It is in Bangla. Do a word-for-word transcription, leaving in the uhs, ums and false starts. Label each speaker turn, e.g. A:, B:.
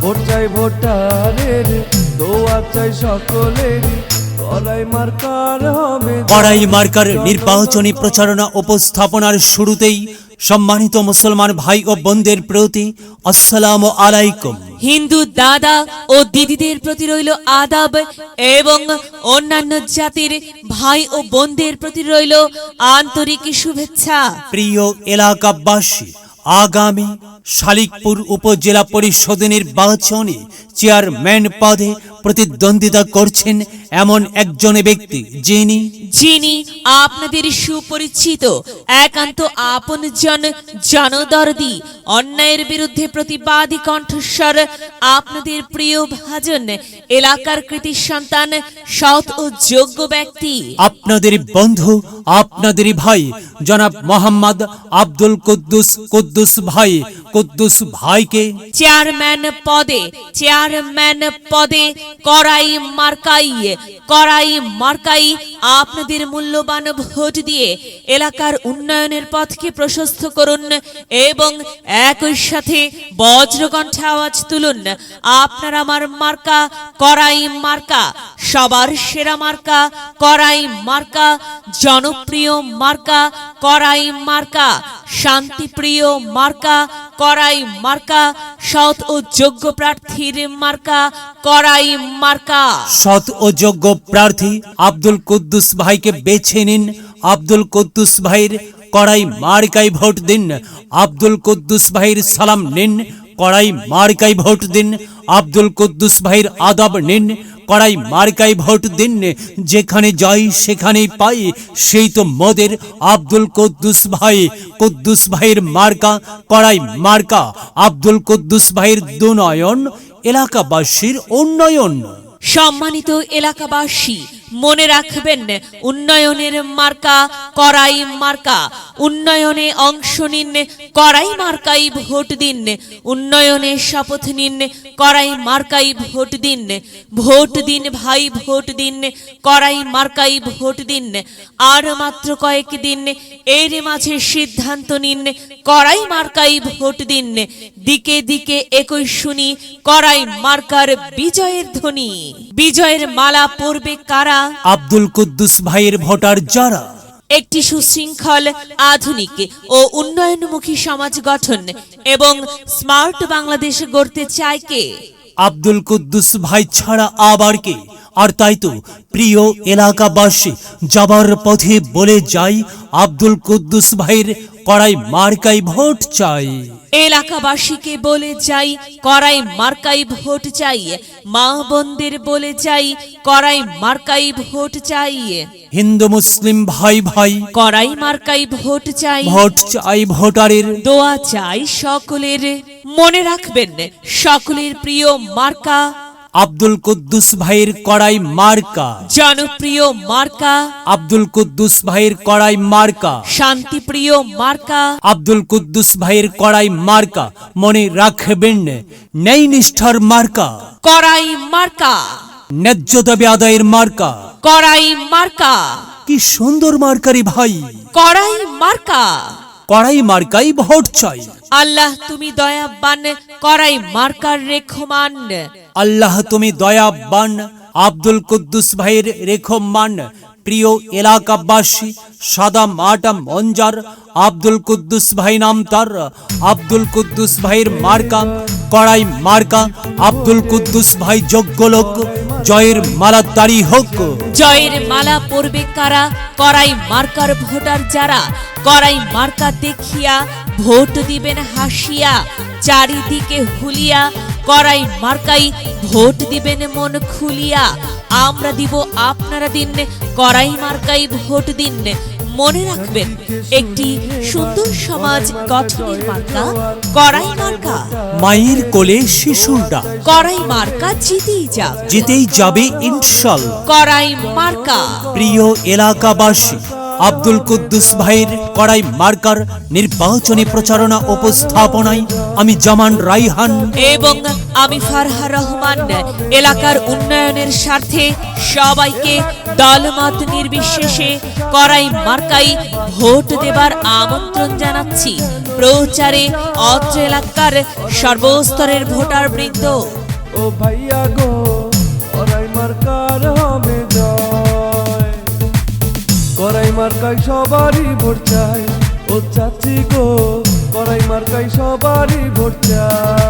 A: ভোট চাই ভোটারের, দোয়া চাই সকলের, কড়াই মার্কার হবে।
B: কড়াই মার্কার নির্বাচনী প্রচারণা উপস্থাপনার শুরুতেই সম্মানিত মুসলমান ভাই ও বোনদের প্রতি আসসালামু আলাইকুম।
C: হিন্দু দাদা ও দিদিদের প্রতি রইল আদাব এবং অন্যান্য জাতির ভাই ও বোনদের প্রতি রইল আন্তরিক শুভেচ্ছা।
B: প্রিয় এলাকাবাসী, আগামী শালিকপুর উপজেলা পরিষদ নির্বাচনে চেয়ারম্যান পদে প্রতিদ্বন্দ্বিতা করছেন এমন একজন ব্যক্তি যিনি
C: যিনি আপনাদের সুপরিচিত, একান্ত আপনজন, জনদরদি, অন্যায়ের বিরুদ্ধে প্রতিবাদী কণ্ঠস্বর, আপনাদের প্রিয় ভাজন, এলাকার কৃতি সন্তান, সৎ ও যোগ্য ব্যক্তি,
B: আপনাদের বন্ধু, আপনাদের ভাই জনাব মোহাম্মদ আব্দুল কুদ্দুস কুদ্দুস ভাই কুদ্দুস ভাইকে
C: চেয়ারম্যান পদে চেয়ারম্যান পদে কড়াই মার্কাই কড়াই মার্কাই আপনাদের মূল্যবান ভোট দিয়ে এলাকার উন্নয়নের পথকে প্রশস্ত করুন এবং একই সাথে বজ্রকণ্ঠে আওয়াজ তুলুন, আপনার আমার মার্কা কড়াই মার্কা, সবার সেরা মার্কা কড়াই মার্কা, জনপ্রিয় মার্কা কড়াই মার্কা, শান্তিপ্রিয় মার্কা কড়াই মার্কা, সৎ ও যোগ্য প্রার্থীর মার্কা কড়াই মার্কা।
B: সৎ ও যোগ্য প্রার্থী আব্দুল কুদ্দুস ভাইকে বেছে নিন। আব্দুল কুদ্দুস ভাইয়ের কড়াই মার্কায় ভোট দিন। আব্দুল কুদ্দুস ভাইয়ের সালাম নিন, কড়াই মার্কায় ভোট দিন। আব্দুল কুদ্দুস ভাইয়ের আদাব নিন, কড়াই মার্কায় ভোট দিন। যেখানে যাই সেখানেই পাই, সেই তো মোদের আব্দুল কুদ্দুস ভাই। কুদ্দুস ভাইয়ের মার্কা কড়াই মার্কা। আব্দুল কুদ্দুস ভাইয়ের দুনয়ন, এলাকাবাসীর উন্নয়ন।
C: সম্মানিত এলাকাবাসী, মনে রাখবেন, উন্নয়নের মার্কা কড়াই মার্কা। উন্নয়নে অংশ নিন, কড়াই মার্কাই ভোট দিন। উন্নয়নে শপথ নিন, কড়াই মার্কাই ভোট দিন। ভোট দিন ভাই, ভোট দিন, কড়াই মার্কাই ভোট দিন। আর মাত্র কয়েক দিন, এর মাঝে সিদ্ধান্ত নিন, কড়াই মার্কাই ভোট দিন। দিকে দিকে একই শুনি কড়াই মার্কার বিজয়ের ধ্বনি। বিজয়ের মালা পরবে কারা?
B: আব্দুল কুদ্দুস ভাইয়ের ভোটার যারা
C: একটি সুশৃঙ্খল, আধুনিক ও উন্নয়নমুখী সমাজ গঠন এবং স্মার্ট বাংলাদেশ গড়তে চায় কে?
B: আব্দুল কুদ্দুস ভাই ছাড়া আবার কে? আর তাই তো প্রিয় এলাকাবাসী, যাবার পথে বলে যাই, আব্দুল কুদ্দুস ভাইয়ের কড়াই মার্কাই ভোট চাই।
C: এলাকাবাসীকে বলে যাই, কড়াই মার্কাই ভোট চাই। মা বোনদের বলে যাই, কড়াই মার্কাই ভোট চাই।
B: হিন্দু মুসলিম ভাই ভাই,
C: কড়াই মার্কাই ভোট চাই।
B: ভোট চাই ভোটারের,
C: দোয়া চাই সকলের। মনে রাখবেন, সকলের প্রিয় মার্কা
B: আব্দুল কুদ্দুস ভাইয়ের কড়াই মার্কা।
C: জনপ্রিয় মার্কা
B: আব্দুল কুদ্দুস ভাইয়ের কড়াই মার্কা।
C: শান্তিপ্রিয় মার্কা
B: আব্দুল কুদ্দুস ভাইয়ের কড়াই মার্কা। মনে রাখবেন, ন্যায় নিষ্ঠার মার্কা
C: কড়াই মার্কা।
B: ন্যায্য দাবি আদায়ের মার্কা
C: কড়াই মার্কা।
B: কি সুন্দর মার্কারি ভাই,
C: কড়াই মার্কা।
B: কড়াই মার্কাই ভোট চাই।
C: আল্লাহ তুমি দয়াবান, কড়াই মার্কার রেখমান।
B: আল্লাহ তুমি দয়াবান, আব্দুল কুদ্দুস ভাইয়ের রেখমান। প্রিয় এলাকাবাসী, সাদা মাটা মঞ্জার আব্দুল কুদ্দুস ভাই নাম তার। আব্দুল কুদ্দুস ভাইয়ের মার্কা কড়াই মার্কা। আব্দুল কুদ্দুস ভাই যোগ্য লোক, জয়ের মালা তারি হোক।
C: জয়ের মালা পরবে কারা? কড়াই মার্কার ভোটার যারা। কড়াই মার্কা দেখিয়া ভোট দিবেন হাসিয়া, চারিদিকে হুলিয়া। কড়াই মার্কাই ভোট দিবেন মন খুলিয়া। আমরা দিব, আপনারা দিন, কড়াই মার্কাই ভোট দিন। মনে রাখবেন, একটি সুন্দর সমাজ গঠনের মার্কা কড়াই মার্কা।
B: মায়ের কোলে শিশুর ডাক,
C: কড়াই মার্কা জিতেই যাক,
B: জিতেই যাবে ইনশাল্লাহ।
C: কড়াই মার্কা।
B: প্রিয় এলাকাবাসী, আব্দুল কুদ্দুস ভাইয়ের কড়াই মার্কার নির্বাচনী প্রচারণা উপস্থাপনায় আমি জামান রাইহান
C: এবং আমি ফারহা রহমান এলাকার উন্নয়নের স্বার্থে সবাইকে দলমত নির্বিশেষে করাই মার্কাই ভোট দেবার আমন্ত্রণ জানাচ্ছি প্রচারে অত্র এলাকার সর্বস্তরের ভোটার বৃন্দ।
A: ও ভাইয়া গো করাই মার্কার হবে জয়, করাই মার্কায় সবারই ভোট চাই। ও চাচি গো করাই মার্কায় সবারই ভোট চাই।